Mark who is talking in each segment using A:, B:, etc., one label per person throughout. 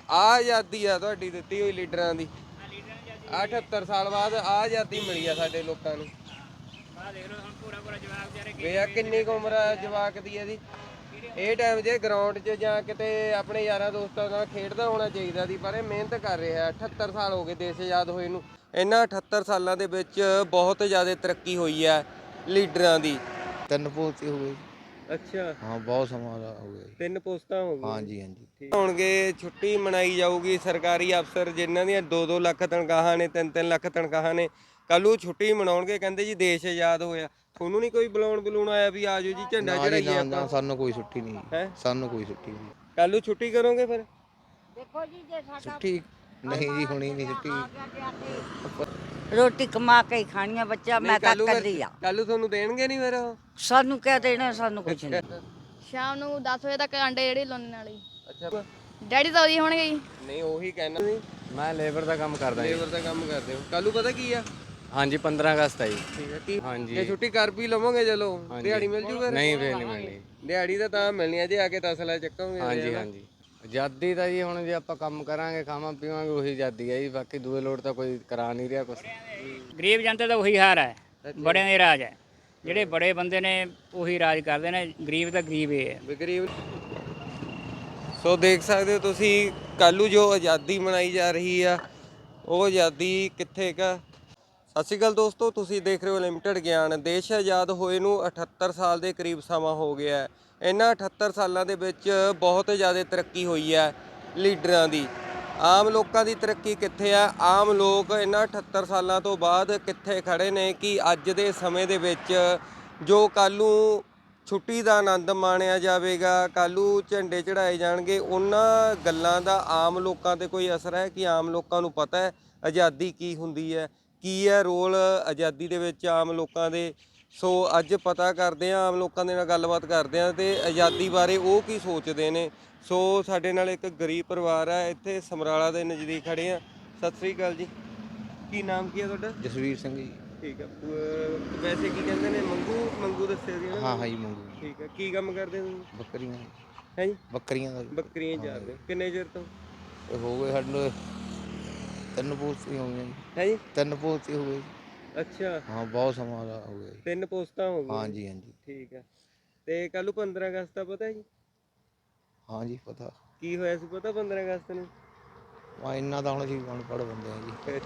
A: ਆਜ਼ਾਦੀ ਆ ਤੁਹਾਡੀ ਦਿੱਤੀ ਹੋਈ ਲੀਡਰਾਂ ਦੀ। 78 ਸਾਲ ਬਾਅਦ ਆਜ਼ਾਦੀ ਮਿਲੀ ਆ ਸਾਡੇ ਲੋਕਾਂ ਨੂੰ। ਵੇ ਆ ਕਿੰਨੀ ਕੁ ਉਮਰ ਆ ਜਵਾਕ ਦੀ ਇਹਦੀ। ਇਹ ਟਾਈਮ 'ਚ ਗਰਾਊਂਡ 'ਚ ਜਾਂ ਕਿਤੇ ਆਪਣੇ ਯਾਰਾਂ ਦੋਸਤਾਂ ਨਾਲ ਖੇਡਦਾ ਹੋਣਾ ਚਾਹੀਦਾ ਸੀ, ਪਰ ਇਹ ਮਿਹਨਤ ਕਰ ਰਿਹਾ। 78 ਸਾਲ ਹੋ ਗਏ ਦੇਸ਼ ਆਜ਼ਾਦ ਹੋਏ ਨੂੰ। ਇਹਨਾਂ 78 ਸਾਲਾਂ ਦੇ ਵਿੱਚ ਬਹੁਤ ਜ਼ਿਆਦਾ ਤਰੱਕੀ ਹੋਈ ਹੈ ਲੀਡਰਾਂ ਦੀ।
B: 3 ਪੋਸਤੇ ਹੋ ਗਏ।
A: ਅੱਛਾ
B: ਹਾਂ ਬਹੁਤ ਸਮਾਂ ਹੋ ਗਿਆ ਜੀ।
A: 3 ਪੋਸਟਾਂ ਹੋ ਗਈਆਂ।
B: ਹਾਂਜੀ ਹਾਂਜੀ।
A: ਹੋਣਗੇ ਛੁੱਟੀ ਮਨਾਈ ਜਾਊਗੀ। ਸਰਕਾਰੀ ਅਫਸਰ ਜਿਨ੍ਹਾਂ ਦੀਆਂ 2-2 ਲੱਖ ਤਨਖਾਹਾਂ ਨੇ, 3-3 ਲੱਖ ਤਨਖਾਹਾਂ ਨੇ, ਕੱਲ੍ਹ ਨੂੰ ਛੁੱਟੀ ਮਨਾਉਣਗੇ। ਕਹਿੰਦੇ ਜੀ ਦੇਸ਼ ਆਜ਼ਾਦ ਹੋਇਆ। ਤੁਹਾਨੂੰ ਨਹੀਂ ਕੋਈ ਬੁਲਾਉਣ ਆਇਆ ਵੀ ਆਜੋ ਜੀ ਝੰਡਾ ਚੜਾਈਏ ਆਪਾਂ?
B: ਸਾਨੂੰ ਕੋਈ ਛੁੱਟੀ ਨਹੀਂ
A: ਹੈ।
B: ਸਾਨੂੰ ਕੋਈ ਛੁੱਟੀ ਨਹੀਂ।
A: ਕੱਲ੍ਹ ਨੂੰ ਛੁੱਟੀ ਕਰੋਗੇ ਫਿਰ?
C: ਦੇਖੋ ਜੀ ਜੇ ਸਾਡਾ
B: ਛੁੱਟੀ ਨਹੀਂ ਜੀ, ਹੋਣੀ ਨਹੀਂ ਛੁੱਟੀ।
C: ਰੋਟੀ ਕਮਾ ਕੇ ਹੀ ਖਾਣੀ ਆ ਬੱਚਾ। ਮੈਂ ਤਾਂ ਕੱਲੀ ਆ।
A: ਕੱਲ੍ਹ ਨੂੰ ਤੁਹਾਨੂੰ ਦੇਣਗੇ ਨਹੀਂ ਫਿਰ ਉਹ?
C: ਸਾਨੂੰ ਕਿਆ ਦੇਣਾ, ਸਾਨੂੰ ਕੁਝ ਨਹੀਂ।
D: ਸ਼ਾਮ ਨੂੰ 10 ਵਜੇ ਤੱਕ ਅੰਡੇ ਜਿਹੜੇ ਲਾਉਣੇ ਨਾਲ ਹੀ।
A: ਅੱਛਾ
D: ਡੈਡੀ ਤਾਂ ਉਹਦੀ ਹੋਣਗੇ ਜੀ।
A: ਨਹੀਂ ਉਹੀ ਕਹਿਣਾ ਸੀ।
E: ਮੈਂ ਲੇਬਰ ਦਾ ਕੰਮ ਕਰਦਾ ਜੀ।
A: ਲੇਬਰ ਦਾ ਕੰਮ ਕਰਦੇ ਹੋ। ਕੱਲ੍ਹ ਨੂੰ ਪਤਾ ਕੀ ਆ?
E: ਹਾਂਜੀ 15 ਅਗਸਤ ਹੈ ਜੀ।
A: ਠੀਕ ਹੈ। ਕੀ
E: ਹਾਂਜੀ।
A: ਜੇ ਛੁੱਟੀ ਕਰ ਵੀ ਲਵੋਗੇ ਚਲੋ ਦਿਹਾੜੀ ਮਿਲ ਜੂ ਫਿਰ?
E: ਨਹੀਂ ਫੇਰ ਨਹੀਂ ਮਿਲਣੀ।
A: ਦਿਹਾੜੀ ਤਾਂ ਮਿਲਣੀ ਆ ਜੇ ਆ ਕੇ ਤਸਲਾ ਚੱਕੋਗੇ।
E: ਹਾਂਜੀ ਹਾਂਜੀ। ਆਜ਼ਾਦੀ ਤਾਂ ਜੀ ਹੁਣ ਜੇ ਆਪਾਂ ਕੰਮ ਕਰਾਂਗੇ ਖਾਵਾਂ ਪੀਵਾਂਗੇ ਉਹੀ ਆਜ਼ਾਦੀ ਹੈ ਜੀ। ਬਾਕੀ ਦੂਏ ਲੋੜ ਤਾਂ ਕੋਈ ਕਰਾ ਨਹੀਂ ਰਿਹਾ ਕੁਛ।
F: ਗਰੀਬ ਜਨਤਾ ਦਾ ਉਹੀ ਹਾਲ ਹੈ। ਬੜਿਆਂ ਦੇ ਰਾਜ ਹੈ। ਜਿਹੜੇ ਬੜੇ ਬੰਦੇ ਨੇ ਉਹੀ ਰਾਜ ਕਰਦੇ ਨੇ। ਗਰੀਬ ਤਾਂ ਗਰੀਬ ਹੀ ਹੈ।
A: ਗਰੀਬ। ਸੋ ਦੇਖ ਸਕਦੇ ਹੋ ਤੁਸੀਂ ਕੱਲ੍ਹ ਨੂੰ ਜੋ ਆਜ਼ਾਦੀ ਮਨਾਈ ਜਾ ਰਹੀ ਆ ਉਹ ਆਜ਼ਾਦੀ ਕਿੱਥੇ ਕਾ। ਸਤਿ ਸ਼੍ਰੀ ਅਕਾਲ ਦੋਸਤੋ, ਤੁਸੀਂ ਦੇਖ ਰਹੇ ਹੋ ਲਿਮਟਿਡ ਗਿਆਨ। ਦੇਸ਼ ਆਜ਼ਾਦ ਹੋਏ ਨੂੰ 78 ਸਾਲ ਦੇ ਕਰੀਬ ਸਮਾਂ ਹੋ ਗਿਆ ਹੈ। ਇਹਨਾਂ 78 ਸਾਲਾਂ ਦੇ ਵਿੱਚ ਬਹੁਤ ਜ਼ਿਆਦਾ ਤਰੱਕੀ ਹੋਈ ਹੈ ਲੀਡਰਾਂ ਦੀ। ਆਮ ਲੋਕਾਂ ਦੀ ਤਰੱਕੀ ਕਿੱਥੇ ਆ? ਆਮ ਲੋਕ ਇਹਨਾਂ 78 ਸਾਲਾਂ ਤੋਂ ਬਾਅਦ ਕਿੱਥੇ ਖੜੇ ਨੇ ਕਿ ਅੱਜ ਦੇ ਸਮੇਂ ਦੇ ਵਿੱਚ ਜੋ ਕੱਲ੍ਹ ਨੂੰ ਛੁੱਟੀ ਦਾ ਆਨੰਦ ਮਾਣਿਆ ਜਾਵੇਗਾ, ਕੱਲ੍ਹ ਨੂੰ ਝੰਡੇ ਚੜਾਏ ਜਾਣਗੇ, ਉਹਨਾਂ ਗੱਲਾਂ ਦਾ ਆਮ ਲੋਕਾਂ 'ਤੇ ਕੋਈ ਅਸਰ ਹੈ ਕਿ ਆਮ ਲੋਕਾਂ ਨੂੰ ਪਤਾ ਹੈ ਆਜ਼ਾਦੀ ਕੀ ਹੁੰਦੀ ਹੈ, ਕੀ ਹੈ ਰੋਲ ਆਜ਼ਾਦੀ ਦੇ ਵਿੱਚ ਆਮ ਲੋਕਾਂ ਦੇ। ਸੋ ਅੱਜ ਪਤਾ ਕਰਦੇ ਹਾਂ, ਆਮ ਲੋਕਾਂ ਦੇ ਨਾਲ ਗੱਲਬਾਤ ਕਰਦੇ ਹਾਂ ਅਤੇ ਆਜ਼ਾਦੀ ਬਾਰੇ ਉਹ ਕੀ ਸੋਚਦੇ ਨੇ। ਸੋ ਸਾਡੇ ਨਾਲ ਇੱਕ ਗਰੀਬ ਪਰਿਵਾਰ ਹੈ, ਇੱਥੇ ਸਮਰਾਲਾ ਦੇ ਨਜ਼ਦੀਕ ਖੜੇ ਆ। ਸਤਿ ਸ੍ਰੀ ਅਕਾਲ ਜੀ। ਕੀ ਨਾਮ ਕੀ ਹੈ ਤੁਹਾਡਾ?
B: ਜਸਵੀਰ ਸਿੰਘ ਜੀ।
A: ਠੀਕ ਹੈ। ਵੈਸੇ ਕੀ ਕਹਿੰਦੇ ਨੇ? ਮੰਗੂ ਦੱਸਿਆ ਸੀ ਨਾ?
B: ਹਾਂ ਜੀ ਮੰਗੂ।
A: ਠੀਕ ਹੈ। ਕੀ ਕੰਮ ਕਰਦੇ ਤੁਸੀਂ?
B: ਬੱਕਰੀਆਂ
A: ਹੈ ਜੀ?
B: ਬੱਕਰੀਆਂ ਦਾ।
A: ਬੱਕਰੀਆਂ ਚਾਰਦੇ ਹੋ। ਕਿੰਨੇ ਚਿਰ ਤੋਂ?
B: ਹੋ ਗਏ ਸਾਡੇ 3 ਪੋਸਤੇ ਹੋ ਗਏ ਜੀ।
A: ਹੈ ਜੀ?
B: 3 ਪੋਸਤੇ ਹੋ ਗਏ।
A: ਅੱਛਾ
B: ਹਾਂ ਬਹੁਤ ਸਮਾਂ ਹੋ ਗਿਆ ਜੀ।
A: 3 ਪੋਸਟਾਂ ਹੋ ਗਈਆਂ।
B: ਹਾਂਜੀ ਹਾਂਜੀ।
A: ਠੀਕ ਹੈ। ਤੇ ਕੱਲ੍ਹ ਨੂੰ 15 ਅਗਸਤ ਦਾ ਪਤਾ ਜੀ?
B: ਹਾਂਜੀ ਪਤਾ।
A: ਕੀ ਹੋਇਆ ਸੀ ਪਤਾ 15 ਅਗਸਤ ਨੂੰ?
B: ਇੰਨਾ ਤਾਂ ਹੁਣ ਅਸੀਂ ਅਨਪੜ੍ਹ ਬੰਦੇ ਆ ਜੀ।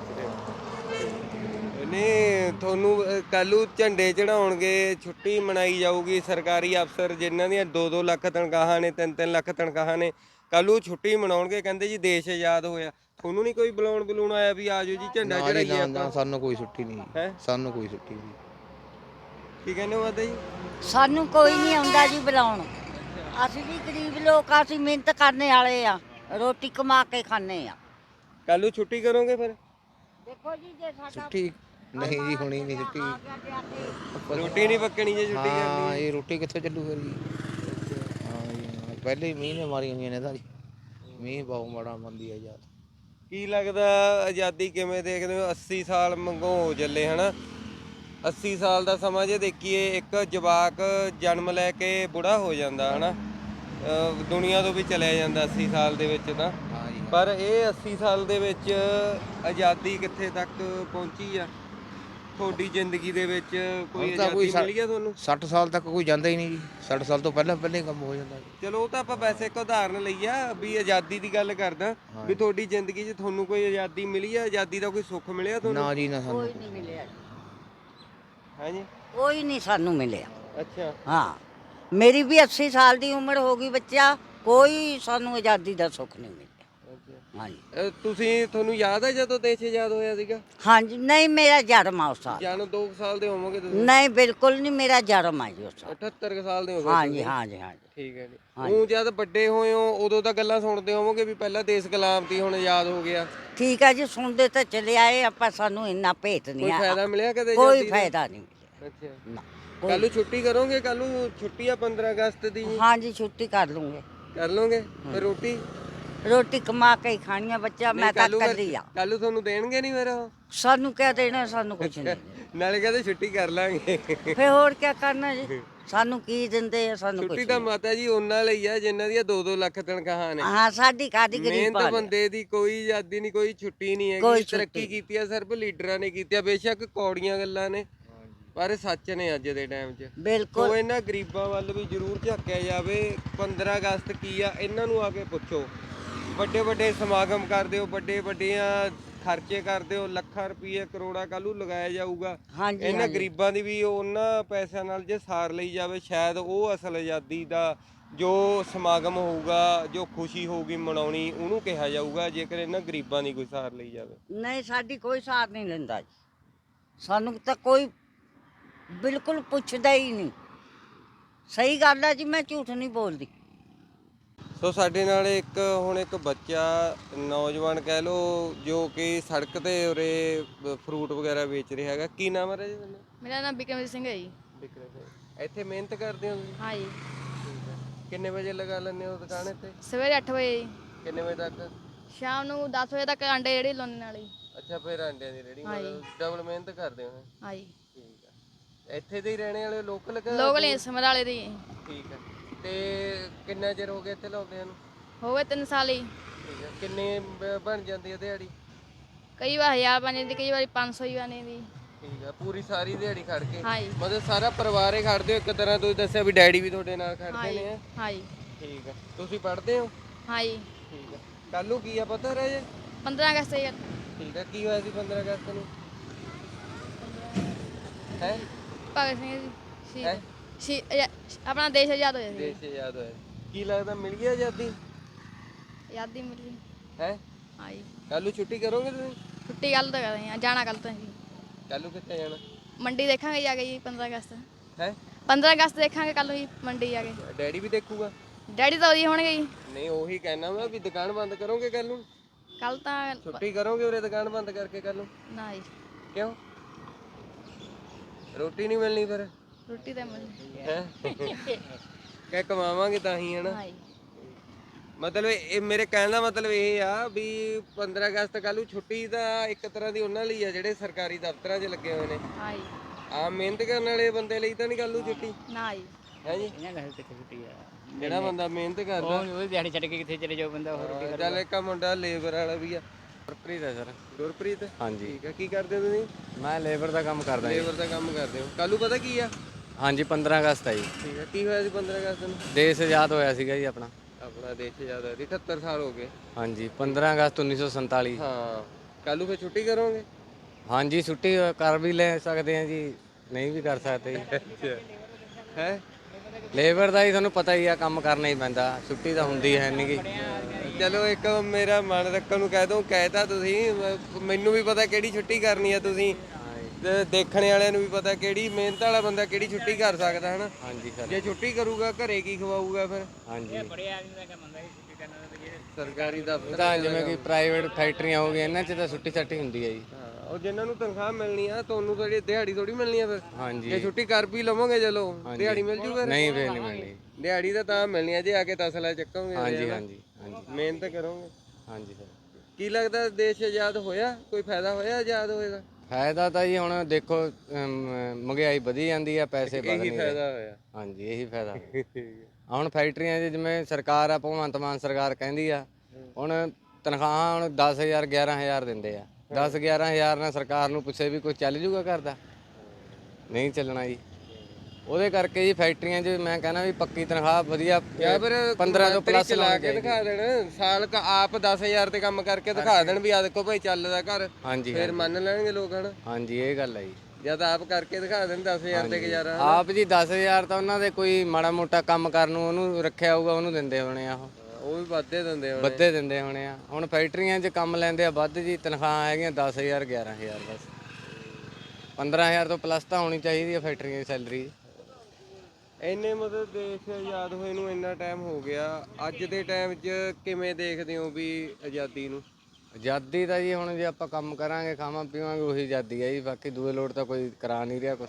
A: ਨਹੀਂ ਤੁਹਾਨੂੰ ਕੱਲ੍ਹ ਨੂੰ ਝੰਡੇ ਚੜਾਉਣਗੇ, ਛੁੱਟੀ ਮਨਾਈ ਜਾਊਗੀ। ਸਰਕਾਰੀ ਅਫਸਰ ਜਿਨ੍ਹਾਂ ਦੀਆਂ 2-2 ਲੱਖ ਤਨਖਾਹਾਂ ਨੇ, 3-3 ਲੱਖ ਤਨਖਾਹਾਂ ਨੇ, ਕੱਲ੍ਹ ਨੂੰ ਛੁੱਟੀ ਮਨਾਉਣਗੇ। ਕਹਿੰਦੇ ਜੀ ਦੇਸ਼ ਆਜ਼ਾਦ ਹੋਇਆ। ਤੁਹਾਨੂੰ ਨਹੀਂ ਕੋਈ ਬੁਲਾਉਣ ਆਇਆ ਵੀ ਆਜੋ ਜੀ ਝੰਡਾ ਚੜਾਈਏ ਆਪਾਂ?
B: ਸਾਨੂੰ ਕੋਈ ਛੁੱਟੀ ਨਹੀਂ।
A: ਹੈ।
B: ਸਾਨੂੰ ਕੋਈ ਛੁੱਟੀ ਨਹੀਂ।
A: ਕੀ ਕਹਿੰਦੇ ਹੋ ਮਾਤਾ ਜੀ?
C: ਸਾਨੂੰ ਕੋਈ ਨਹੀਂ ਆਉਂਦਾ ਜੀ ਬੁਲਾਉਣ। ਅਸੀਂ ਵੀ ਗਰੀਬ ਲੋਕ ਆ, ਅਸੀਂ ਮਿਹਨਤ ਕਰਨੇ ਵਾਲੇ ਆ, ਰੋਟੀ ਕਮਾ ਕੇ ਖਾਣੇ ਆ।
A: ਕੱਲ੍ਹ ਨੂੰ ਛੁੱਟੀ ਕਰੋਗੇ ਫਿਰ?
C: ਦੇਖੋ ਜੀ ਜੇ ਸਾਡਾ
B: ਛੁੱਟੀ ਨਹੀਂ ਜੀ, ਹੋਣੀ ਨਹੀਂ ਛੁੱਟੀ।
A: ਰੋਟੀ ਨਹੀਂ ਪੱਕਣੀ ਜੇ ਛੁੱਟੀ ਕਰਨੀ?
B: ਹਾਂ ਇਹ ਰੋਟੀ ਕਿੱਥੇ ਚੱਲੂ ਫਿਰ ਜੀ। ਹਾਂ ਜੀ ਪਹਿਲੇ ਹੀ ਮੀਂਹ ਨੇ ਮਾਰੀਆਂ ਹੋਈਆਂ ਨੇ ਤਾਂ ਜੀ। ਮੀਂਹ ਬਹੁਤ ਮਾੜਾ ਮੰਦੀ ਆ ਯਾਰ।
A: ਕੀ ਲੱਗਦਾ ਆਜ਼ਾਦੀ ਕਿਵੇਂ ਦੇਖਦੇ ਹੋ? 80 ਸਾਲ ਮੰਗੋ ਹੋ ਚੱਲੇ ਹਨਾ। 80 ਸਾਲ ਦਾ ਸਮਾਂ ਜੇ ਦੇਖੀਏ, ਇੱਕ ਜਵਾਕ ਜਨਮ ਲੈ ਕੇ ਬੁੜਾ ਹੋ ਜਾਂਦਾ ਹਨਾ, ਦੁਨੀਆ ਤੋਂ ਵੀ ਚਲਿਆ ਜਾਂਦਾ 80 ਸਾਲ ਦੇ ਵਿੱਚ ਤਾਂ। ਪਰ ਇਹ 80 ਸਾਲ ਦੇ ਵਿੱਚ ਆਜ਼ਾਦੀ ਕਿੱਥੇ ਤੱਕ ਪਹੁੰਚੀ ਆ ਤੁਹਾਡੀ ਜ਼ਿੰਦਗੀ ਦੇ ਵਿੱਚ? ਕੋਈ ਆਜ਼ਾਦੀ ਮਿਲੀ ਆ ਤੁਹਾਨੂੰ?
B: 60 ਸਾਲ ਤੱਕ ਕੋਈ ਜਾਂਦਾ ਹੀ ਨਹੀਂ ਜੀ। 60 ਸਾਲ ਤੋਂ ਪਹਿਲਾਂ ਹੀ ਕੰਮ ਹੋ ਜਾਂਦਾ ਜੀ।
A: ਚਲੋ ਉਹ ਤਾਂ ਆਪਾਂ ਵੈਸੇ ਇੱਕ ਉਦਾਹਰਨ ਲਈ ਆ ਵੀ ਆਜ਼ਾਦੀ ਦੀ ਗੱਲ ਕਰਦਾ ਵੀ ਤੁਹਾਡੀ ਜ਼ਿੰਦਗੀ 'ਚ ਤੁਹਾਨੂੰ ਕੋਈ ਆਜ਼ਾਦੀ ਮਿਲੀ ਆ? ਆਜ਼ਾਦੀ ਦਾ ਕੋਈ ਸੁੱਖ ਮਿਲਿਆ ਤੁਹਾਨੂੰ?
B: ਨਾ ਜੀ ਨਾ ਸਾਨੂੰ
C: ਕੋਈ ਨਹੀਂ ਮਿਲਿਆ।
A: ਹੈ ਜੀ?
C: ਕੋਈ ਨਹੀਂ ਸਾਨੂੰ ਮਿਲਿਆ।
A: ਅੱਛਾ।
C: ਹਾਂ ਮੇਰੀ ਵੀ 80 ਸਾਲ ਦੀ ਉਮਰ ਹੋ ਗਈ ਬੱਚਾ, ਕੋਈ ਸਾਨੂੰ ਆਜ਼ਾਦੀ ਦਾ ਸੁੱਖ ਨਹੀਂ ਮਿਲਿਆ। ਹਾਂਜੀ।
A: ਤੁਹਾਨੂੰ ਯਾਦ ਹੈ ਜਦੋਂ ਦੇਸ਼ ਆਜ਼ਾਦ ਹੋਇਆ ਸੀਗਾ?
C: ਹਾਂਜੀ ਨਹੀਂ, ਮੇਰਾ ਜਨਮ ਆ ਉਸ ਸਾਲ।
A: ਜਾਨੋ 2 ਸਾਲ ਦੇ ਹੋਵੋਗੇ ਤੁਸੀਂ?
C: ਨਹੀਂ ਬਿਲਕੁਲ ਨਹੀਂ, ਮੇਰਾ ਜਨਮ ਆ ਜੀ ਉਸ ਸਾਲ।
A: 78 ਸਾਲ ਦੇ ਹੋ ਗਏ?
C: ਹਾਂਜੀ ਹਾਂਜੀ ਹਾਂਜੀ।
A: ਠੀਕ ਹੈ ਜੀ। ਉਹ ਜਦ ਵੱਡੇ ਹੋਏ ਹੋ ਉਦੋਂ ਤਾਂ ਗੱਲਾਂ ਸੁਣਦੇ ਹੋਵੋਗੇ ਵੀ ਪਹਿਲਾਂ ਦੇਸ਼ ਗੁਲਾਮ ਸੀ, ਹੁਣ ਆਜ਼ਾਦ ਹੋ ਗਿਆ।
C: ਠੀਕ ਹੈ ਜੀ, ਸੁਣਦੇ ਤਾਂ ਚਲੇ ਆਏ ਆਪਾਂ, ਸਾਨੂੰ ਇੰਨਾ ਭੇਤ ਨਹੀਂ
A: ਕੋਈ
C: ਆ।
A: ਫਾਇਦਾ ਮਿਲਿਆ ਕਦੇ?
C: ਕੋਈ ਫਾਇਦਾ ਨਹੀਂ ਮਿਲਿਆ।
A: ਅੱਛਾ।
C: ਨਾ
A: ਕੱਲ ਨੂੰ ਛੁੱਟੀ ਕਰੋਗੇ? ਕੱਲ ਨੂੰ ਛੁੱਟੀ ਆ 15 ਅਗਸਤ ਦੀ?
C: ਹਾਂਜੀ ਛੁੱਟੀ ਕਰ ਲੂੰਗੇ।
A: ਕਰ ਲਓਗੇ? ਫਿਰ ਰੋਟੀ?
C: ਰੋਟੀ ਕਮਾ ਕੇ ਹੀ ਖਾਣੀ ਆ ਬੱਚਾ, ਮੈਂ ਤਾਂ ਕੱਲੀ ਆ।
A: ਕੱਲੂ ਤੁਹਾਨੂੰ ਦੇਣਗੇ ਨਹੀਂ ਫਿਰ ਉਹ?
C: ਸਾਨੂੰ ਕਿਆ ਦੇਣਾ, ਸਾਨੂੰ ਕੁਝ ਨਹੀਂ ਦੇਣਾ।
A: ਨਾਲੇ ਕਹਿੰਦੇ ਛੁੱਟੀ ਕਰ ਲਾਂਗੇ।
C: ਫੇ ਹੋਰ ਕਿਆ ਕਰਨਾ ਜੀ, ਸਾਨੂੰ ਕੀ ਦਿੰਦੇ ਆ, ਸਾਨੂੰ ਕੁਝ
A: ਛੁੱਟੀ ਤਾਂ
C: ਨਹੀਂ।
A: ਮਾਤਾ ਜੀ ਉਹਨਾਂ ਲਈ ਆ ਜਿਨ੍ਹਾਂ ਦੀਆਂ 2-2 ਲੱਖ ਤਨਖਾਹਾਂ ਨੇ।
C: ਹਾਂ, ਸਾਡੀ ਕਾਦੀ ਗਰੀਬ
A: ਮਿਹਨਤ ਬੰਦੇ ਦੀ ਕੋਈ ਆਜ਼ਾਦੀ ਨਹੀਂ, ਕੋਈ ਛੁੱਟੀ ਨਹੀਂ
C: ਕੋਈ
A: ਹੈਗੀ।
C: ਛੁੱਟੀ
A: ਤਰੱਕੀ ਕੀਤੀ ਆ ਸਿਰਫ ਲੀਡਰਾਂ ਨੇ ਕੀਤੀ ਆ, ਬੇਸ਼ੱਕ ਕੌੜੀਆਂ ਗੱਲਾਂ ਨੇ ਪਰ ਸੱਚ ਨੇ ਅੱਜ ਦੇ ਟਾਈਮ 'ਚ।
C: ਬਿਲਕੁਲ।
A: ਸੋ ਇਹਨਾਂ ਗਰੀਬਾਂ ਵੱਲ ਵੀ ਜ਼ਰੂਰ ਝਾਕਿਆ ਜਾਵੇ। 15 ਅਗਸਤ ਕੀ ਆ ਇਹਨਾਂ ਨੂੰ ਆ ਕੇ ਪੁੱਛੋ। ਵੱਡੇ ਵੱਡੇ ਸਮਾਗਮ ਕਰਦੇ ਹੋ, ਵੱਡੇ ਵੱਡੀਆਂ ਖਰਚੇ ਕਰਦੇ ਹੋ, ਲੱਖਾਂ ਰੁਪਏ ਕਰੋੜਾਂ ਕੱਲੂ ਲਗਾਇਆ ਜਾਊਗਾ।
C: ਹਾਂਜੀ,
A: ਇਹਨਾਂ
C: ਹਾਂਜੀ।
A: ਗਰੀਬਾਂ ਦੀ ਵੀ ਉਹਨਾਂ ਪੈਸਿਆਂ ਨਾਲ ਜੇ ਸਾਰ ਲਈ ਜਾਵੇ, ਸ਼ਾਇਦ ਉਹ ਅਸਲ ਆਜ਼ਾਦੀ ਦਾ ਜੋ ਸਮਾਗਮ ਹੋਊਗਾ, ਜੋ ਖੁਸ਼ੀ ਹੋਊਗੀ ਮਨਾਉਣੀ, ਉਹਨੂੰ ਕਿਹਾ ਜਾਊਗਾ, ਜੇਕਰ ਇਹਨਾਂ ਗਰੀਬਾਂ ਦੀ ਕੋਈ ਸਾਰ ਲਈ ਜਾਵੇ।
C: ਨਹੀਂ, ਸਾਡੀ ਕੋਈ ਸਾਥ ਨਹੀਂ ਲੈਂਦਾ ਜੀ, ਸਾਨੂੰ ਤਾਂ ਕੋਈ ਬਿਲਕੁਲ ਪੁੱਛਦਾ ਹੀ ਨਹੀਂ। ਸਹੀ ਗੱਲ ਹੈ ਜੀ, ਮੈਂ ਝੂਠ ਨਹੀਂ ਬੋਲਦੀ।
A: ਸੋ ਸਾਡੇ ਨਾਲ ਹੁਣ ਇੱਕ ਬੱਚਾ ਨੌਜਵਾਨ ਕਹਿ ਲਓ ਜੋ ਕਿ ਸੜਕ ਤੇ ਉਰੇ ਫਰੂਟ ਵਗੈਰਾ ਵੇਚ ਰਿਹਾ ਹੈਗਾ। ਕੀ ਨਾਮ ਹੈ ਜੀ ਤੁਹਾਡਾ?
D: ਮੇਰਾ ਨਾਮ ਬਿਕਰਮਜੀਤ ਸਿੰਘ ਹੈ ਜੀ।
A: ਵਿਕਰਮ ਸਿੰਘ। ਇੱਥੇ ਮਿਹਨਤ ਕਰਦੇ ਹੋ ਤੁਸੀਂ?
D: ਹਾਂ ਜੀ।
A: ਠੀਕ ਹੈ। ਕਿੰਨੇ ਵਜੇ ਲਗਾ ਲੈਂਦੇ ਹੋ ਦੁਕਾਨ ਇੱਥੇ?
D: ਸਵੇਰੇ 8 ਵਜੇ ਜੀ।
A: ਕਿੰਨੇ ਵਜੇ ਤੱਕ?
D: ਸ਼ਾਮ ਨੂੰ 10 ਵਜੇ ਤੱਕ ਅੰਡੇ ਜਿਹੜੇ ਲਾਉਣ ਵਾਲੀ।
A: ਅੱਛਾ, ਫਿਰ ਅੰਡਿਆਂ ਦੀ ਰੇਹੜੀ,
D: ਹਾਂਜੀ।
A: ਮਤਲਬ ਡਬਲ ਮਿਹਨਤ ਕਰਦੇ ਹੋ।
D: ਹਾਂ ਜੀ।
A: ਠੀਕ ਹੈ। ਇੱਥੇ ਦੇ ਹੀ ਰਹਿਣੇ ਵਾਲੇ ਲੋਕਲ?
D: ਲੋਕਲ ਹੀ ਸਮਰਾਲੇ ਦੀ।
A: ਠੀਕ ਹੈ। ਤੇ ਕਿੰਨਾ ਚਿਰ ਹੋ ਗਿਆ ਇੱਥੇ ਲਾਉਂਦਿਆਂ ਨੂੰ?
D: ਹੋ ਗਏ 3 ਸਾਲ ਹੀ।
A: ਠੀਕ ਹੈ। ਕਿੰਨੇ ਬਣ ਜਾਂਦੀ ਹੈ ਦਿਹਾੜੀ?
D: ਕਈ ਵਾਰ 1000 ਬਣ ਜਾਂਦੀ, ਕਈ ਵਾਰੀ 500 ਹੀ ਬਣ ਜਾਂਦੀ।
A: ਠੀਕ ਹੈ। ਪੂਰੀ ਸਾਰੀ ਦਿਹਾੜੀ ਖੜ ਕੇ?
D: ਹਾਂ ਜੀ।
A: ਮਤਲਬ ਸਾਰਾ ਪਰਿਵਾਰ ਹੀ ਖੜਦੇ ਹੋ ਇੱਕ ਤਰ੍ਹਾਂ? ਤੁਸੀਂ ਦੱਸਿਆ ਵੀ ਡੈਡੀ ਵੀ ਤੁਹਾਡੇ ਨਾਲ
D: ਹਾਂ
A: ਖੜਦੇ
D: ਜੀ।
A: ਨੇ।
D: ਹਾਂ ਜੀ।
A: ਠੀਕ ਹੈ। ਤੁਸੀਂ ਪੜ੍ਹਦੇ ਹੋ?
D: ਹਾਂ ਜੀ।
A: ਠੀਕ ਹੈ। ਕੱਲ ਨੂੰ ਕੀ ਆ ਪਤਾ ਰਹਿ ਜੇ?
D: 15 ਅਗਸਤ ਜੀ।
A: ਠੀਕ ਹੈ। ਕੀ ਹੋਇਆ ਸੀ 15 ਅਗਸਤ ਨੂੰ? ਹੈ
D: ਭਗਤ ਸਿੰਘ ਜੀ
A: ਹੈਂ?
D: ਆਪਣਾ ਦੇਸ਼ ਆਜ਼ਾਦ ਹੋਇਆ ਸੀ।
A: ਦੇਸ਼ ਆਜ਼ਾਦ ਹੋਇਆ। ਕੀ ਲੱਗਦਾ ਮਿਲ ਗਈ ਆਜ਼ਾਦੀ?
D: ਆਜ਼ਾਦੀ ਮਿਲ ਗਈ।
A: ਹੈ
D: ਹਾਂ ਜੀ।
A: ਕੱਲ ਨੂੰ ਛੁੱਟੀ ਕਰੋਗੇ ਤੁਸੀਂ?
D: ਛੁੱਟੀ ਕੱਲ ਤੋਂ ਕਰਦੇ ਹਾਂ, ਜਾਣਾ ਕੱਲ ਤੋਂ ਜੀ।
A: ਕੱਲ ਨੂੰ ਕਿੱਥੇ ਜਾਣਾ?
D: ਮੰਡੀ ਦੇਖਾਂਗੇ ਜਾ ਕੇ ਜੀ 15 ਅਗਸਤ।
A: ਹੈ
D: 15 ਅਗਸਤ ਦੇਖਾਂਗੇ ਕੱਲ ਨੂੰ ਜੀ ਮੰਡੀ ਜਾ ਕੇ।
A: ਡੈਡੀ ਵੀ ਦੇਖੂਗਾ?
D: ਡੈਡੀ ਤਾਂ ਉਹਦੀ ਹੋਣਗੇ ਜੀ।
A: ਨਹੀਂ, ਉਹੀ ਕਹਿਣਾ ਮੈਂ ਵੀ ਦੁਕਾਨ ਬੰਦ ਕਰੋਗੇ ਕੱਲ ਨੂੰ?
D: ਕੱਲ ਤਾਂ
A: ਛੁੱਟੀ ਕਰੋਗੇ ਉਰੇ ਦੁਕਾਨ ਬੰਦ ਕਰਕੇ ਕੱਲ ਨੂੰ?
D: ਨਾ ਜੀ।
A: ਕਿਉਂ? ਰੋਟੀ ਨਹੀਂ ਮਿਲਣੀ ਫਿਰ?
D: ਰੋਟੀ ਤਾਂ ਮਿਲ।
A: ਹੈ ਕਿ ਕਮਾਵਾਂਗੇ ਤਾਂ ਹੀ ਹੈ ਨਾ।
D: ਹਾਂ ਜੀ।
A: ਮਤਲਬ ਇਹ ਮੇਰੇ ਕਹਿਣ ਦਾ ਮਤਲਬ ਇਹ ਆ ਵੀ 15 ਅਗਸਤ ਕੱਲ ਨੂੰ ਛੁੱਟੀ ਤਾਂ ਇੱਕ ਤਰ੍ਹਾਂ ਦੀ ਉਹਨਾਂ ਲਈ ਆ ਜਿਹੜੇ ਸਰਕਾਰੀ ਦਫ਼ਤਰਾਂ 'ਚ ਲੱਗੇ ਹੋਏ ਨੇ।
D: ਹਾਂ ਜੀ।
A: ਆਮ ਮਿਹਨਤ ਕਰਨ ਵਾਲੇ ਬੰਦੇ ਲਈ ਤਾਂ ਨਹੀਂ ਕੱਲ ਨੂੰ ਛੁੱਟੀ?
D: ਨਾ ਜੀ।
A: ਹੈ ਜੀ।
F: ਇਹਨਾਂ ਦਾ ਕਿੱਥੇ ਛੁੱਟੀ ਆ?
A: ਜਿਹੜਾ ਬੰਦਾ ਮਿਹਨਤ ਕਰਦਾ
F: ਉਹ ਦਿਹਾੜੀ ਛੱਡ ਕੇ ਕਿੱਥੇ ਚਲੇ ਜਾਓ ਬੰਦਾ ਹੋਰ ਰੋਟੀ
A: ਚੱਲ ਇੱਕ ਮੁੰਡਾ ਲੇਬਰ ਵਾਲਾ ਵੀ ਆ।
E: ਗੁਰਪ੍ਰੀਤ ਹੈ ਸਰ।
A: ਗੁਰਪ੍ਰੀਤ?
E: ਹਾਂਜੀ।
A: ਠੀਕ ਹੈ। ਕੀ ਕਰਦੇ ਹੋ ਤੁਸੀਂ?
E: ਮੈਂ ਲੇਬਰ ਦਾ ਕੰਮ ਕਰਦਾ ਜੀ।
A: ਲੇਬਰ ਦਾ ਕੰਮ ਕਰਦੇ ਹੋ। ਕੱਲ ਨੂੰ ਪਤਾ ਕੀ ਆ?
E: ਹਾਂਜੀ 15 ਅਗਸਤ ਹੈ ਜੀ।
A: ਠੀਕ ਹੈ। ਕੀ ਹੋਇਆ ਸੀ 15 ਅਗਸਤ ਨੂੰ?
E: ਦੇਸ਼ ਆਜ਼ਾਦ ਹੋਇਆ ਸੀਗਾ ਜੀ ਆਪਣਾ।
A: ਆਪਣਾ ਦੇਸ਼ ਆਜ਼ਾਦ ਹੋਇਆ ਸੀ, 78 ਸਾਲ ਹੋ ਗਏ।
E: ਹਾਂਜੀ 15 ਅਗਸਤ 1947।
A: ਹਾਂ। ਕੱਲ ਨੂੰ ਫਿਰ ਛੁੱਟੀ ਕਰੋਗੇ?
E: ਹਾਂਜੀ ਛੁੱਟੀ ਕਰ ਵੀ ਲੈ ਸਕਦੇ ਆ ਜੀ, ਨਹੀਂ ਵੀ ਕਰ ਸਕਦੇ ਜੀ।
A: ਅੱਛਾ। ਹੈ
E: ਲੇਬਰ ਦਾ ਹੀ ਤੁਹਾਨੂੰ ਪਤਾ ਹੀ ਆ, ਕੰਮ ਕਰਨਾ ਹੀ ਪੈਂਦਾ, ਛੁੱਟੀ ਤਾਂ ਹੁੰਦੀ ਹੈ ਨਹੀਂ ਗੀ।
A: ਚਲੋ ਇੱਕ ਮੇਰਾ ਮਨ ਰੱਖਣ ਨੂੰ ਕਹਿ ਦੋ, ਕਹਿਤਾ ਤੁਸੀਂ। ਮੈਨੂੰ ਵੀ ਪਤਾ ਕਿਹੜੀ ਛੁੱਟੀ ਕਰਨੀ ਆ ਤੁਸੀਂ, ਤੇ ਦੇਖਣ ਵਾਲਿਆਂ ਨੂੰ ਵੀ ਪਤਾ ਕਿਹੜੀ ਮਿਹਨਤ ਵਾਲਾ ਬੰਦਾ ਕਿਹੜੀ ਛੁੱਟੀ ਕਰ ਸਕਦਾ ਹਨਾ।
E: ਹਾਂਜੀ ਸਰ।
A: ਜੇ ਛੁੱਟੀ ਕਰੂਗਾ ਘਰੇ ਕੀ ਖਵਾਊਗਾ ਫਿਰ?
E: ਹਾਂਜੀ
F: ਬੜੇ ਆਦਮੀ ਦਾ ਕੰਮ ਹੁੰਦਾ ਸੀ ਛੁੱਟੀ ਕਰਨਾ ਤਾਂ ਜਿਹੜੇ
A: ਸਰਕਾਰੀ ਦਫ਼ਤਰ
E: ਤਾਂ ਜਿਵੇਂ ਕਿ ਪ੍ਰਾਈਵੇਟ ਫੈਕਟਰੀਆਂ ਹੋ ਗਈਆਂ, ਇਹਨਾਂ 'ਚ ਤਾਂ ਛੁੱਟੀ ਛੱਟੀ ਹੁੰਦੀ ਹੈ ਜੀ।
A: ਹਾਂ, ਉਹ ਜਿਨ੍ਹਾਂ ਨੂੰ ਤਨਖਾਹ ਮਿਲਣੀ ਆ, ਤੁਹਾਨੂੰ ਥੋੜੀ ਦਿਹਾੜੀ ਥੋੜੀ ਮਿਲਣੀ ਆ ਫਿਰ। ਜੇ
E: ਹਾਂਜੀ
A: ਛੁੱਟੀ ਕਰ ਵੀ ਲਵੋਗੇ ਚਲੋ ਦਿਹਾੜੀ ਮਿਲ ਜੂ ਫਿਰ?
E: ਨਹੀਂ ਫੇਰ ਨਹੀਂ ਮਿਲਣੀ।
A: ਦਿਹਾੜੀ ਤਾਂ ਮਿਲਣੀ ਆ ਜੇ ਆ ਕੇ ਤਸਲਾ ਚੱਕੋਗੇ।
E: ਹਾਂਜੀ ਹਾਂਜੀ ਹਾਂਜੀ
A: ਮਿਹਨਤ ਕਰੋਗੇ।
E: ਹਾਂਜੀ ਸਰ।
A: ਕੀ ਲੱਗਦਾ ਦੇਸ਼ ਆਜ਼ਾਦ ਹੋਇਆ? ਕੋਈ ਫਾਇਦਾ ਹੋਇਆ ਆਜ਼ਾਦ ਹੋਏ ਦਾ?
E: ਫਾਇਦਾ ਤਾਂ ਜੀ ਹੁਣ ਦੇਖੋ ਮਹਿੰਗਾਈ ਵਧੀ ਜਾਂਦੀ ਆ, ਪੈਸੇ ਵਧ
A: ਇਹੀ
E: ਨਹੀਂ ਰਹੇ।
A: ਫਾਇਦਾ ਹੋਇਆ।
E: ਹਾਂਜੀ ਇਹੀ ਫਾਇਦਾ। ਹੁਣ ਫੈਕਟਰੀਆਂ 'ਚ ਜਿਵੇਂ ਸਰਕਾਰ ਆ, ਭਗਵੰਤ ਮਾਨ ਸਰਕਾਰ ਕਹਿੰਦੀ ਆ, ਹੁਣ ਤਨਖਾਹਾਂ ਹੁਣ 10,000 11,000 ਦਿੰਦੇ ਆ। 10-11,000 ਨਾਲ ਸਰਕਾਰ ਨੂੰ ਪੁੱਛੇ ਵੀ ਕੋਈ ਚੱਲ ਜੂਗਾ ਘਰ ਦਾ? ਨਹੀਂ ਚੱਲਣਾ ਜੀ। ਉਹਦੇ ਕਰਕੇ ਜੀ ਫੈਕਟਰੀਆਂ 'ਚ ਮੈਂ ਕਹਿੰਦਾ ਵੀ ਪੱਕੀ ਤਨਖਾਹ ਵਧੀਆ
A: ਜਾਂ ਫਿਰ
E: 15 ਤੋਂ ਪਲੱਸ
A: ਚਲਾ ਕੇ ਦਿਖਾ ਦੇਣ, ਸਾਲ ਕ ਆਪ 10,000 ਤੇ ਕੰਮ ਕਰਕੇ ਦਿਖਾ ਦੇਣ ਵੀ ਆ ਦੇਖੋ ਭਾਈ ਚੱਲਦਾ ਘਰ,
E: ਹਾਂਜੀ
A: ਫਿਰ ਮੰਨ ਲੈਣਗੇ ਲੋਕ ਹਨਾ।
E: ਹਾਂਜੀ ਇਹ ਗੱਲ ਹੈ ਜੀ।
A: ਜਦ ਆਪ ਕਰਕੇ ਦਿਖਾ ਦੇਣ 10,000 ਤੇ ਗੁਜ਼ਾਰਾ।
E: ਆਪ ਜੀ 10,000 ਤਾਂ ਉਹਨਾਂ ਦੇ ਕੋਈ ਮਾੜਾ ਮੋਟਾ ਕੰਮ ਕਰਨ ਨੂੰ ਉਹਨੂੰ ਰੱਖਿਆ ਹੋਊਗਾ, ਉਹਨੂੰ ਦਿੰਦੇ ਹੋਣੇ ਆ।
A: ਉਹ ਵੀ ਵੱਧੇ ਦਿੰਦੇ ਹੋਣੇ।
E: ਵੱਧੇ ਦਿੰਦੇ ਹੋਣੇ ਆ। ਹੁਣ ਫੈਕਟਰੀਆਂ 'ਚ ਕੰਮ ਲੈਂਦੇ ਆ ਵੱਧ ਜੀ, ਤਨਖਾਹ ਹੈਗੀਆਂ 10,000 11,000 ਬਸ। 15,000 ਤੋਂ ਪਲੱਸ ਤਾਂ ਹੋਣੀ ਚਾਹੀਦੀ ਹੈ ਫੈਕਟਰੀਆਂ ਦੀ ਸੈਲਰੀ।
A: ਇੰਨੇ ਮਤਲਬ ਦੇਸ਼ ਆਜ਼ਾਦ ਹੋਏ ਨੂੰ ਇੰਨਾ ਟਾਈਮ ਹੋ ਗਿਆ, ਅੱਜ ਦੇ ਟਾਈਮ 'ਚ ਕਿਵੇਂ ਦੇਖਦੇ ਹੋ ਵੀ ਆਜ਼ਾਦੀ ਨੂੰ?
E: ਆਜ਼ਾਦੀ ਤਾਂ ਜੀ ਹੁਣ ਜੇ ਆਪਾਂ ਕੰਮ ਕਰਾਂਗੇ ਖਾਵਾਂ ਪੀਵਾਂਗੇ ਉਹੀ ਆਜ਼ਾਦੀ ਹੈ ਜੀ, ਬਾਕੀ ਦੂਏ ਲੋਟ ਤਾਂ ਕੋਈ ਕਰਾ ਨਹੀਂ ਰਿਹਾ ਕੁਛ।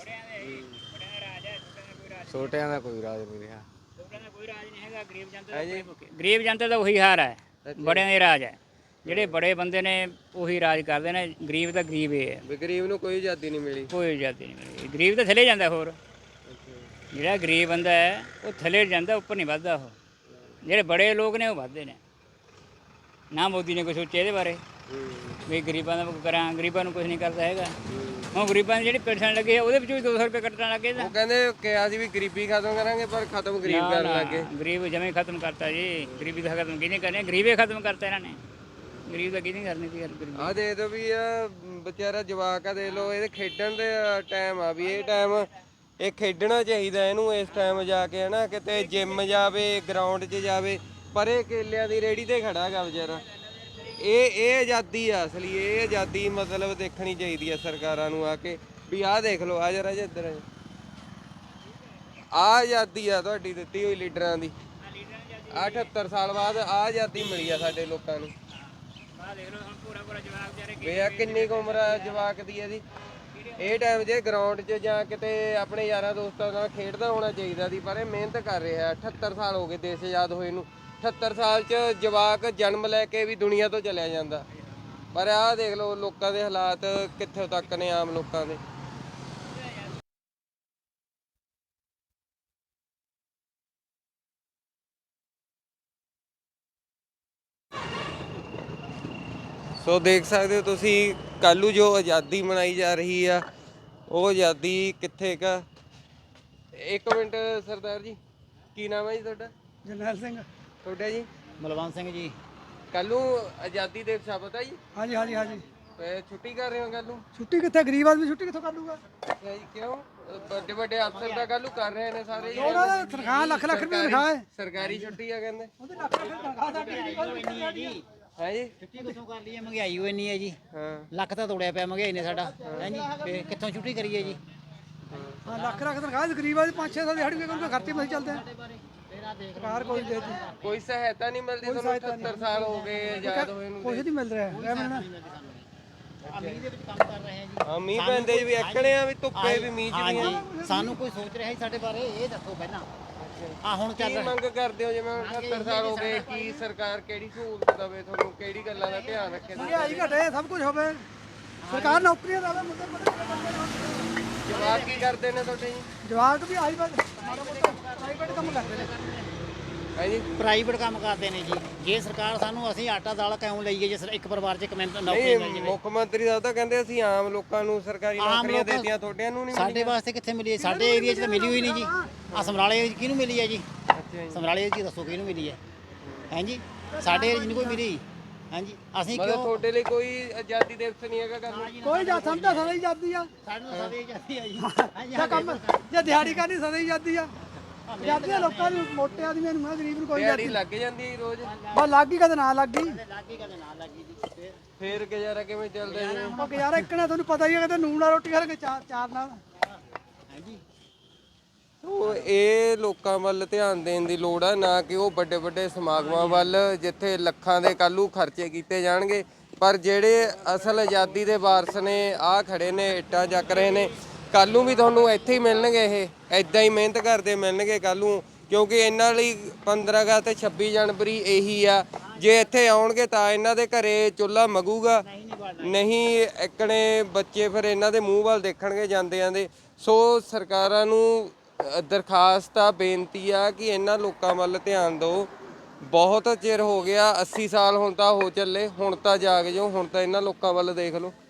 E: ਛੋਟਿਆਂ ਦਾ ਕੋਈ ਰਾਜ ਨਹੀਂ ਰਿਹਾ।
F: ਛੋਟਿਆਂ ਦਾ ਕੋਈ ਰਾਜ ਨਹੀਂ ਹੈਗਾ, ਗਰੀਬ ਜਨਤਾ ਦਾ ਗਰੀਬ ਜਨਤਾ ਦਾ ਉਹੀ ਹਾਰ ਹੈ। ਬੜਿਆਂ ਦੇ ਰਾਜ ਹੈ। ਜਿਹੜੇ ਬੜੇ ਬੰਦੇ ਨੇ ਉਹੀ ਰਾਜ ਕਰਦੇ ਨੇ, ਗਰੀਬ ਤਾਂ ਗਰੀਬ ਹੀ ਹੈ,
A: ਵੀ ਗਰੀਬ ਨੂੰ ਕੋਈ ਆਜ਼ਾਦੀ ਨਹੀਂ ਮਿਲੀ।
F: ਕੋਈ ਆਜ਼ਾਦੀ ਨਹੀਂ ਮਿਲੀ। ਗਰੀਬ ਤਾਂ ਥੱਲੇ ਜਾਂਦਾ, ਹੋਰ ਜਿਹੜਾ ਗਰੀਬ ਬੰਦਾ ਹੈ ਉਹ ਥੱਲੇ ਜਾਂਦਾ, ਉੱਪਰ ਨਹੀਂ ਵੱਧਦਾ। ਉਹ ਜਿਹੜੇ ਬੜੇ ਲੋਕ ਨੇ ਉਹ ਵੱਧਦੇ ਨੇ। ਨਾ ਮੋਦੀ ਨੇ ਕੁਛ ਸੋਚਿਆ ਇਹਦੇ ਬਾਰੇ ਵੀ ਗਰੀਬਾਂ ਦਾ ਕਰਾਂ, ਗਰੀਬਾਂ ਨੂੰ ਕੁਝ ਨਹੀਂ ਕਰਦਾ ਹੈਗਾ। ਹੁਣ ਗਰੀਬਾਂ ਦੀ ਜਿਹੜੀ ਪੈਨਸ਼ਨ ਲੱਗੀ ਹੈ ਉਹਦੇ ਵਿੱਚੋਂ ਵੀ 200 ਰੁਪਏ ਕੱਟਣ ਲੱਗੇ ਤਾਂ
A: ਉਹ ਕਹਿੰਦੇ ਕਿਹਾ ਸੀ ਵੀ ਗਰੀਬੀ ਖਤਮ ਕਰਾਂਗੇ, ਪਰ ਖਤਮ ਗਰੀਬ ਕਰਨ ਲੱਗੇ।
F: ਗਰੀਬ ਜਮੇ ਖਤਮ ਕਰਤਾ ਜੀ। ਗਰੀਬੀ ਦਾ ਖਤਮ ਕਿਹਨੇ ਕਰਨੀ? ਗਰੀਬੇ ਖਤਮ ਕਰਤਾ ਇਹਨਾਂ ਨੇ। ਗਰੀਬ ਦਾ ਕਿਹਨੇ ਕਰਨੀ ਸੀ ਯਾਰ ਗਰੀਬੀ?
A: ਆ ਦੇ ਦੋ ਵੀ ਆ ਵਿਚਾਰਾ ਜਵਾਕ ਆ, ਦੇ ਲੋ ਇਹਦੇ ਖੇਡਣ ਦੇ ਟਾਈਮ ਆ, ਵੀ ਇਹ ਟਾਈਮ ਇਹ ਖੇਡਣਾ ਚਾਹੀਦਾ ਇਹਨੂੰ ਇਸ ਟਾਈਮ ਜਾ ਕੇ, ਹਨਾ ਕਿਤੇ ਜਿੰਮ ਜਾਵੇ, ਗਰਾਊਂਡ 'ਚ ਜਾਵੇ, ਪਰ ਇਹ ਕੇਲਿਆਂ ਦੀ ਰੇੜੀ ਤੇ ਖੜਾ ਹੈਗਾ ਵਿਚਾਰਾ। ਇਹ ਆਜ਼ਾਦੀ ਆ ਅਸਲੀ, ਇਹ ਆਜ਼ਾਦੀ ਮਤਲਬ ਦੇਖਣੀ ਚਾਹੀਦੀ ਆ ਸਰਕਾਰਾਂ ਨੂੰ ਆ ਕੇ ਵੀ ਆਹ ਦੇਖ ਲਓ, ਆ ਜਰਾ ਇੱਧਰ ਆ ਆਜ਼ਾਦੀ ਆ ਤੁਹਾਡੀ ਦਿੱਤੀ ਹੋਈ ਲੀਡਰਾਂ ਦੀ। 78 ਸਾਲ ਬਾਅਦ ਆ ਆਜ਼ਾਦੀ ਮਿਲੀ ਆ ਸਾਡੇ ਲੋਕਾਂ ਨੂੰ।
F: ਆਹ ਦੇਖ ਲਓ ਹੁਣ ਪੂਰਾ ਪੂਰਾ ਜਵਾਬ ਵਿਚਾਰੇ
A: ਵੇ ਆ ਕਿੰਨੀ ਕੁ ਉਮਰ ਆ ਜਵਾਕ ਦੀ ਇਹਦੀ। ਇਹ ਟਾਈਮ ਜੇ ਗਰਾਊਂਡ 'ਚ ਜਾਂ ਕਿਤੇ ਆਪਣੇ ਯਾਰਾਂ ਦੋਸਤਾਂ ਨਾਲ ਖੇਡਦਾ ਹੋਣਾ ਚਾਹੀਦਾ ਸੀ, ਪਰ ਇਹ ਮਿਹਨਤ ਕਰ ਰਿਹਾ। 78 ਸਾਲ ਹੋ ਗਏ ਦੇਸ਼ ਆਜ਼ਾਦ ਹੋਏ ਨੂੰ। 78 ਸਾਲ 'ਚ ਜਵਾਕ ਜਨਮ ਲੈ ਕੇ ਵੀ ਦੁਨੀਆ ਤੋਂ ਚਲਿਆ ਜਾਂਦਾ। ਪਰ ਆਹ ਦੇਖ ਲਓ ਲੋਕਾਂ ਦੇ ਹਾਲਾਤ ਕਿੱਥੋਂ ਤੱਕ ਨੇ, ਆਮ ਲੋਕਾਂ ਦੇ। ਸੋ ਦੇਖ ਸਕਦੇ ਹੋ ਤੁਸੀਂ, ਕੱਲ੍ਹ ਨੂੰ ਜੋ ਆਜ਼ਾਦੀ ਮਨਾਈ ਜਾ ਰਹੀ ਆ ਉਹ ਆਜ਼ਾਦੀ ਕਿੱਥੇ ਕਾ। ਇੱਕ ਮਿੰਟ ਸਰਦਾਰ ਜੀ, ਕੀ ਨਾਮ ਹੈ ਜੀ ਤੁਹਾਡਾ?
G: ਜਰਨੈਲ ਸਿੰਘ।
A: ਤੁਹਾਡਾ ਜੀ?
G: ਮਲਵੰਤ ਸਿੰਘ ਜੀ।
A: ਕੱਲ੍ਹ ਨੂੰ ਆਜ਼ਾਦੀ ਦਿਵਸ ਆ, ਪਤਾ ਜੀ?
G: ਹਾਂਜੀ ਹਾਂਜੀ ਹਾਂਜੀ।
A: ਛੁੱਟੀ ਕਰ ਰਹੇ ਹੋ ਕੱਲ੍ਹ ਨੂੰ?
G: ਛੁੱਟੀ ਕਿੱਥੇ, ਗਰੀਬ ਆਦਮੀ ਛੁੱਟੀ ਕਿੱਥੋਂ ਕਰ ਲੂਗਾ?
A: ਅੱਛਾ ਜੀ, ਕਿਉਂ? ਵੱਡੇ ਵੱਡੇ ਅਫਸਰ ਤਾਂ ਕੱਲ੍ਹ ਨੂੰ ਕਰ ਰਹੇ ਨੇ ਸਾਰੇ ਜੀ।
G: ਉਹਨਾਂ ਦਾ ਤਨਖਾਹ ਲੱਖ ਲੱਖ ਰੁਪਏ ਤਨਖਾਹ ਹੈ।
A: ਸਰਕਾਰੀ ਛੁੱਟੀ ਆ ਕਹਿੰਦੇ।
G: ਉਹਦੇ ਲੱਖ ਲੱਖ ਤਨਖਾਹ ਸਾਡੀ
A: ਹੈ ਜੀ?
H: ਛੁੱਟੀ ਕਿੱਥੋਂ ਕਰ ਲਈਏ? ਮਹਿੰਗਾਈ ਹੋਈ ਇੰਨੀ ਹੈ ਜੀ।
A: ਹਾਂ
H: ਲੱਖ ਤਾਂ ਤੋੜਿਆ ਪਿਆ ਮਹਿੰਗਾਈ ਨੇ ਸਾਡਾ, ਹੈ ਜੀ। ਤੇ ਕਿੱਥੋਂ ਛੁੱਟੀ ਕਰੀਏ ਜੀ?
G: ਹਾਂ ਲੱਖ ਲੱਖ ਤਨਖਾਹ ਗਰੀਬ ਆਦਮੀ 5-6 ਸਾਲ ਦਿਹਾੜੀ ਕਰਕੇ ਖਰਚੇ ਨਹੀਂ ਚੱਲਦੇ। ਸਰਕਾਰ ਕੋਈ ਦੇਤੀ,
A: ਕੋਈ ਸਹਾਇਤਾ ਨਹੀਂ ਮਿਲਦੀ ਤੁਹਾਨੂੰ? 78 ਸਾਲ ਹੋ ਗਏ ਆਜ਼ਾਦ ਹੋਏ ਨੂੰ।
G: ਕੁਝ ਨਹੀਂ ਮਿਲ ਰਿਹਾ ਹੈ ਮੈਨੂੰ।
H: ਮੀਂਹ ਦੇ ਵਿੱਚ ਕੰਮ ਕਰ ਰਹੇ ਹਾਂ ਜੀ।
A: ਹਾਂ ਮੀਂਹ ਪੈਂਦੇ ਵੀ ਐਕੜੇ ਆ, ਵੀ ਧੁੱਪੇ ਵੀ ਮੀਂਹ 'ਚ ਵੀ ਆ।
H: ਹਾਂਜੀ, ਸਾਨੂੰ ਕੋਈ ਸੋਚ ਰਿਹਾ ਸੀ ਸਾਡੇ ਬਾਰੇ? ਇਹ ਦੱਸੋ ਪਹਿਲਾਂ। ਆ ਹੁਣ ਚੱਲ
A: ਕੀ
H: ਰਿਹਾ।
A: ਮੰਗ ਕਰਦੇ ਹੋ? ਜਿਵੇਂ 78 ਸਾਲ ਹੋ ਗਏ, ਕੀ ਸਰਕਾਰ ਕਿਹੜੀ ਸਹੂਲਤ ਦੇਵੇ ਤੁਹਾਨੂੰ, ਕਿਹੜੀ ਗੱਲਾਂ ਦਾ ਧਿਆਨ ਰੱਖੇ?
G: ਮਹਿੰਗਾਈ ਘਟੇ, ਸਭ ਕੁਝ ਹੋਵੇ, ਸਰਕਾਰ ਨੌਕਰੀਆਂ ਦੇਵੇ। ਮੁੰਡੇ
A: ਜਵਾਬ ਕੀ ਕਰਦੇ ਨੇ ਤੁਹਾਡੇ ਜੀ?
G: ਜਵਾਕ ਵੀ ਆਈ ਬਸ ਮਾੜਾ ਮੋਟਾ ਪ੍ਰਾਈਵੇਟ ਕੰਮ ਕਰਦੇ ਨੇ।
A: ਹੈ ਜੀ?
H: ਪ੍ਰਾਈਵੇਟ ਕੰਮ ਕਰਦੇ ਨੇ ਜੀ। ਜੇ ਸਰਕਾਰ ਸਾਨੂੰ, ਅਸੀਂ ਆਟਾ ਦਾਲ ਕਿਉਂ ਲਈਏ ਜੇ ਇੱਕ ਪਰਿਵਾਰ 'ਚ ਇੱਕ ਨੌਕਰੀ ਮਿਲ
A: ਨਹੀਂ,
H: ਜਾਵੇ?
A: ਮੁੱਖ ਮੰਤਰੀ ਸਾਹਿਬ ਤਾਂ ਕਹਿੰਦੇ ਅਸੀਂ ਆਮ ਲੋਕਾਂ ਨੂੰ ਸਰਕਾਰੀ ਨੌਕਰੀਆਂ ਦੇਤੀਆਂ, ਤੁਹਾਡਿਆਂ ਨੂੰ ਨਹੀਂ
H: ਸਾਡੇ ਵਾਸਤੇ ਕਿੱਥੇ ਮਿਲੀ ਹੈ? ਸਾਡੇ ਏਰੀਆ 'ਚ ਤਾਂ ਮਿਲੀ ਹੋਈ ਨਹੀਂ ਜੀ। ਆ ਸਮਰਾਲੇ ਏਰੀਆ 'ਚ ਕਿਹਨੂੰ ਮਿਲੀ ਹੈ ਜੀ?
A: ਅੱਛਾ ਜੀ।
H: ਸਮਰਾਲੇ ਏਰੀਆ 'ਚ ਦੱਸੋ ਕਿਹਨੂੰ ਮਿਲੀ ਹੈ? ਹਾਂਜੀ, ਸਾਡੇ ਏਰੀਆ 'ਚ ਨਹੀਂ ਕੋਈ ਮਿਲੀ। ਹਾਂਜੀ, ਅਸੀਂ
A: ਮਤਲਬ
H: ਕਿਉਂ?
A: ਤੁਹਾਡੇ ਲਈ ਕੋਈ ਆਜ਼ਾਦੀ ਦਿਵਸ ਨਹੀਂ ਹੈਗਾ ਕੱਲ੍ਹ ਨੂੰ?
G: ਕੋਈ ਜਾ ਸਮਝਦਾ ਸਦਾ ਹੀ ਜਾਂਦੀ ਆ।
H: ਸਾਨੂੰ ਸਾਡੇ ਜਾਂਦੀ ਆ ਜੀ।
G: ਜੇ ਕੰਮ ਜੇ ਦਿਹਾੜੀ ਕਰਨੀ ਸਦਾ ਹੀ ਜਾਂਦੀ ਆ। ਜਾਂਦੀ ਆ ਲੋਕਾਂ ਨੂੰ, ਮੋਟੇ ਆਦਮੀਆਂ ਨੂੰ, ਗਰੀਬ ਨੂੰ ਕੋਈ
A: ਦਿਹਾੜੀ
G: ਜਾਂਦੀ।
A: ਲੱਗ ਜਾਂਦੀ ਹੈ ਰੋਜ਼?
G: ਬਸ ਲੱਗ ਗਈ ਕਦੇ ਨਾ ਲੱਗ ਗਈ।
H: ਲੱਗੀ ਕਦੇ ਨਾ ਲੱਗੀ ਜੀ।
A: ਫੇਰ ਗੁਜ਼ਾਰਾ ਕਿਵੇਂ ਚੱਲਦਾ ਜੀ?
G: ਉਹ ਗੁਜ਼ਾਰਾ ਇੱਕ ਨਾ ਤੁਹਾਨੂੰ ਪਤਾ ਹੀ ਹੈ, ਕਦੇ ਨੂਨ ਨਾਲ ਰੋਟੀ ਖਾ ਕੇ ਚਾਰ ਨਾਲ।
H: ਹਾਂਜੀ,
A: ਸੋ ਇਹ ਲੋਕਾਂ ਵੱਲ ਧਿਆਨ ਦੇਣ ਦੀ ਲੋੜ ਆ, ਨਾ ਕਿ ਉਹ ਵੱਡੇ ਵੱਡੇ ਸਮਾਗਮਾਂ ਵੱਲ ਜਿੱਥੇ ਲੱਖਾਂ ਦੇ ਕੱਲੂ ਖਰਚੇ ਕੀਤੇ ਜਾਣਗੇ। ਪਰ ਜਿਹੜੇ ਅਸਲ ਆਜ਼ਾਦੀ ਦੇ ਵਾਰਸ ਨੇ ਆ ਖੜੇ ਨੇ, ਇੱਟਾਂ ਚੱਕ ਰਹੇ ਨੇ, ਕੱਲ ਨੂੰ ਵੀ ਤੁਹਾਨੂੰ ਇੱਥੇ ਹੀ ਮਿਲਣਗੇ। ਇਹ ਐਦਾਂ ਹੀ ਮਿਹਨਤ ਕਰਦੇ ਮਿਲਣਗੇ ਕੱਲ ਨੂੰ, ਕਿਉਂਕਿ ਇਹਨਾਂ ਲਈ 15 ਅਗਸਤ ਤੇ 26 ਜਨਵਰੀ ਇਹੀ ਆ। ਜੇ ਇੱਥੇ ਆਉਣਗੇ ਤਾਂ ਇਹਨਾਂ ਦੇ ਘਰੇ ਚੁੱਲ੍ਹਾ ਮਗੂਗਾ, ਨਹੀਂ ਇੱਕਣੇ ਬੱਚੇ ਫਿਰ ਇਹਨਾਂ ਦੇ ਮੂੰਹ ਵੱਲ ਦੇਖਣਗੇ ਜਾਂਦੇ ਜਾਂਦੇ। ਸੋ ਸਰਕਾਰਾਂ ਨੂੰ ਦਰਖਾਸਤ ਆ, ਬੇਨਤੀ ਆ ਕਿ ਇਹਨਾਂ ਲੋਕਾਂ ਵੱਲ ਧਿਆਨ ਦਿਓ। ਬਹੁਤ ਚਿਰ ਹੋ ਗਿਆ, 80 ਸਾਲ ਹੁਣ ਤਾਂ ਹੋ ਚੱਲੇ, ਹੁਣ ਤਾਂ ਜਾਗ ਜਾਓ, ਹੁਣ ਤਾਂ ਇਹਨਾਂ ਲੋਕਾਂ ਵੱਲ ਦੇਖ ਲਓ।